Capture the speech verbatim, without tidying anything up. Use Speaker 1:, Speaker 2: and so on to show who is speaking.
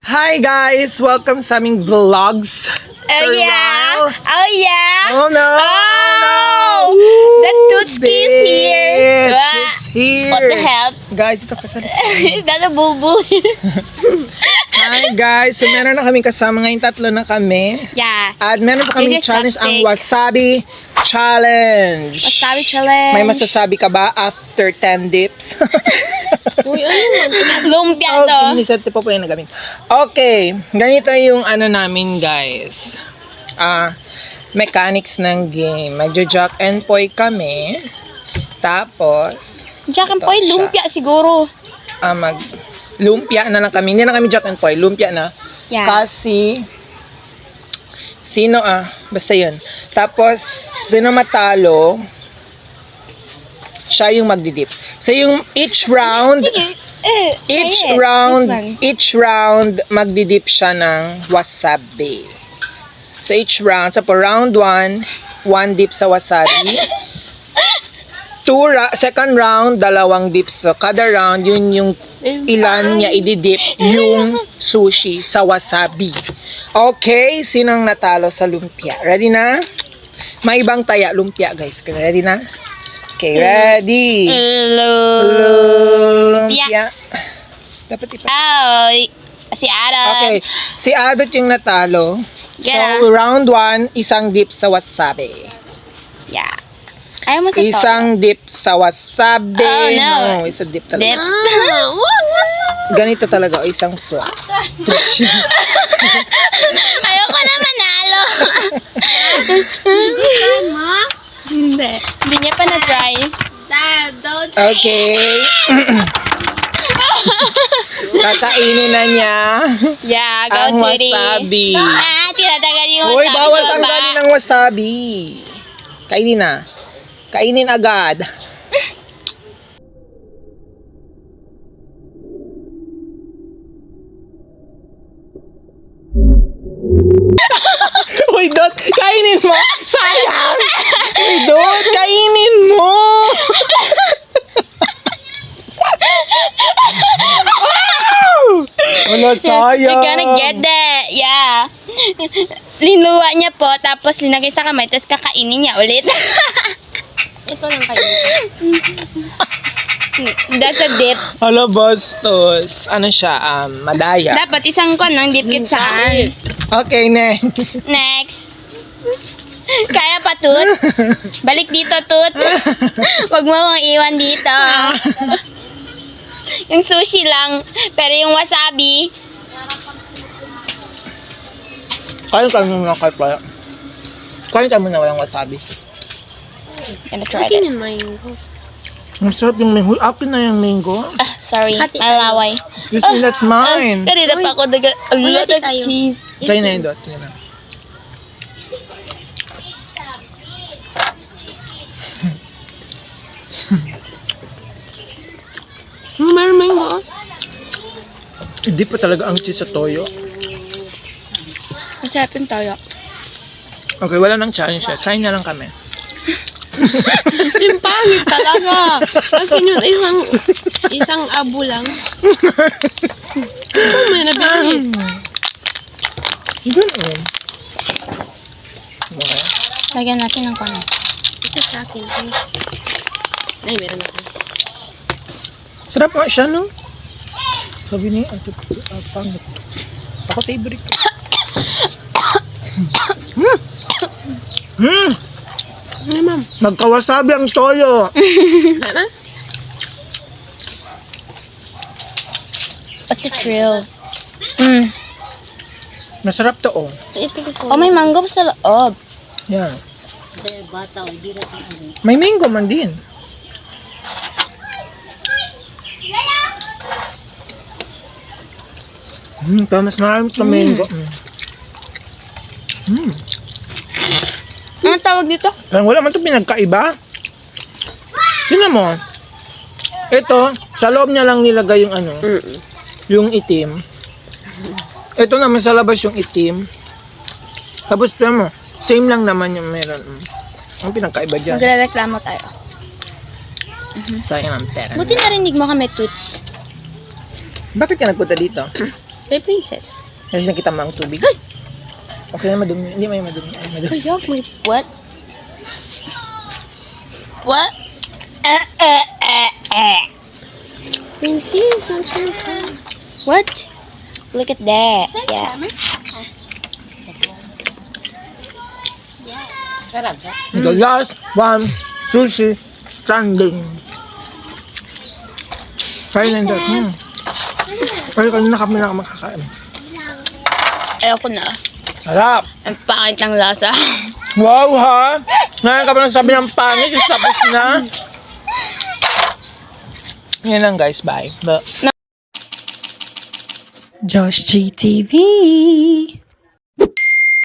Speaker 1: Hi guys! Welcome sa aming vlogs.
Speaker 2: Oh
Speaker 1: For a
Speaker 2: yeah!
Speaker 1: while.
Speaker 2: Oh yeah!
Speaker 1: Oh no!
Speaker 2: Oh!
Speaker 1: no.
Speaker 2: The Tootski is here!
Speaker 1: Bitch,
Speaker 2: Ah,
Speaker 1: it's here!
Speaker 2: What the hell?
Speaker 1: Guys, ito kasali.
Speaker 2: Is that a bulbul?
Speaker 1: Hi guys! So meron na kaming kasama ngayon, tatlo na kami.
Speaker 2: Yeah.
Speaker 1: At meron pa kaming
Speaker 2: This is
Speaker 1: challenge, ang
Speaker 2: chopstick.
Speaker 1: Wasabi Challenge.
Speaker 2: Wasabi challenge.
Speaker 1: May masasabi ka ba after ten dips?
Speaker 2: Uy, ano? Lumpia to.
Speaker 1: Okay, nisete po po yung nagamit. Okay, ganito yung ano namin guys. Ah, mechanics ng game. Magjo-jack and poy kami. Tapos,
Speaker 2: Jack and
Speaker 1: ito
Speaker 2: Poy,
Speaker 1: siya.
Speaker 2: lumpia siguro.
Speaker 1: ah, mag lumpia na lang kami. Hindi na kami jack and poy, lumpia na.
Speaker 2: Yeah.
Speaker 1: Kasi sino ah, basta 'yun. Tapos sino matalo, siya yung magdidip. So yung each round,
Speaker 2: Eh,
Speaker 1: each
Speaker 2: try it.
Speaker 1: round,
Speaker 2: This one.
Speaker 1: each round magdidip siya ng wasabi. So each round, so for round one, one dip sa wasabi. Two ra- second round, dalawang dips. So kada round, yun yung ilan niya ididip yung sushi sa wasabi. Okay, sinong natalo sa lumpia? Ready na? May ibang taya lumpia, guys. Ready na? Okay, ready.
Speaker 2: Hello.
Speaker 1: Lumpia. Dapat ipa.
Speaker 2: Oh, si Adam.
Speaker 1: Okay, si Adot yung natalo.
Speaker 2: Yeah.
Speaker 1: So, round one, isang dip sa wasabi.
Speaker 2: Yeah. Ayaw mo sa
Speaker 1: Isang dip sa wasabi.
Speaker 2: Oh, no.
Speaker 1: isang dip
Speaker 2: Dip.
Speaker 1: talaga. Ganito talaga, o isang flat.
Speaker 2: Ayoko na manalo. Hindi. Hindi niya pa na-try. Dad, don't
Speaker 1: Okay. Kakainin na niya
Speaker 2: Yeah, go
Speaker 1: ang
Speaker 2: Titty.
Speaker 1: wasabi.
Speaker 2: Ah, tinatagal yung
Speaker 1: Hoy,
Speaker 2: wasabi
Speaker 1: bawal
Speaker 2: sa
Speaker 1: tanggalin
Speaker 2: baba.
Speaker 1: ang wasabi. Kainin na. Kainin agad. Uy, Dot, kainin mo. Sayang. Uy, Dot, kainin mo. Wala, sayang.
Speaker 2: You're gonna get that. Yeah. Linuwa niya po, tapos linagay sa kamay, tapos kakainin niya ulit. Ito lang kayo. That's a dip.
Speaker 1: Hala, bastos. Ano siya? Um, madaya.
Speaker 2: Dapat isang kon ng dip kit saan.
Speaker 1: Okay, ne.
Speaker 2: Next. Kaya pa, Tut? Balik dito, Tut. Huwag mo akong iwan dito. Yung sushi lang, pero yung wasabi,
Speaker 1: Kain ka muna kay pala. Kain ka muna walang wasabi.
Speaker 2: gonna try it.
Speaker 1: Masarap yung mango. Akin na yung mango.
Speaker 2: Ah, sorry, malaway.
Speaker 1: You see, that's mine.
Speaker 2: Kanina pa ako daga, a lot of cheese.
Speaker 1: Try na yun, Dot. Yun na.
Speaker 2: Meron mango.
Speaker 1: Hindi pa talaga ang cheese sa toyo.
Speaker 2: Masarap yung toyo.
Speaker 1: Okay, wala nang challenge siya. Kain na lang kami.
Speaker 3: Yung pangit talaga. Kasi yung isang isang abo lang. Ito may nabili.
Speaker 1: Ganun. Okay.
Speaker 2: Lagyan natin ng kono.
Speaker 3: Ito sa akin. Ay, Ay meron ako.
Speaker 1: Sarap nga siya, no? Sabi niya, ang tut- ah, pangit. Ako favorite ko. Hmm. Hmm.
Speaker 3: Ay, ma'am.
Speaker 1: Magkawasabi ang toyo.
Speaker 3: Ano?
Speaker 2: What's the thrill? Mm.
Speaker 1: Masarap to, oh.
Speaker 3: Ito gusto
Speaker 2: Oh, may mango pa sa loob.
Speaker 1: Yan. May mango man din. Hmm, tamas marami sa mango. Hmm. Hmm.
Speaker 2: Anong tawag dito?
Speaker 1: Parang wala man ito pinagkaiba. Sino mo? Ito, sa loob niya lang nilagay yung ano,
Speaker 3: Mm-mm.
Speaker 1: yung itim. Ito naman sa labas yung itim. Tapos, tignan mo, same lang naman yung meron. Mm. Ang pinagkaiba dyan.
Speaker 2: Magre-reklamo tayo.
Speaker 1: Sayang ang pera.
Speaker 2: Buti narinig mo kami, Toots.
Speaker 1: Bakit ka nagpunta dito?
Speaker 2: May princess.
Speaker 1: Kasi nakita mo ang tubig. Okay na madumi. Hindi may madumi. Ay, madumi.
Speaker 2: Ayok, may... What? What? Eh, eh, eh, eh.
Speaker 3: Princess, I'm sure ka.
Speaker 2: What? Look at that. Yeah.
Speaker 1: The last one, sushi, standing. Try na that. Hmm. Pero kanina kami na makakain.
Speaker 2: Ayoko na.
Speaker 1: Sarap!
Speaker 2: Ang pangit ng lasa.
Speaker 1: Wow ha! Ngayon ka pa nagsabi ng pangit, tapos na. Yan lang guys, bye. Bye.
Speaker 4: Josh G T V.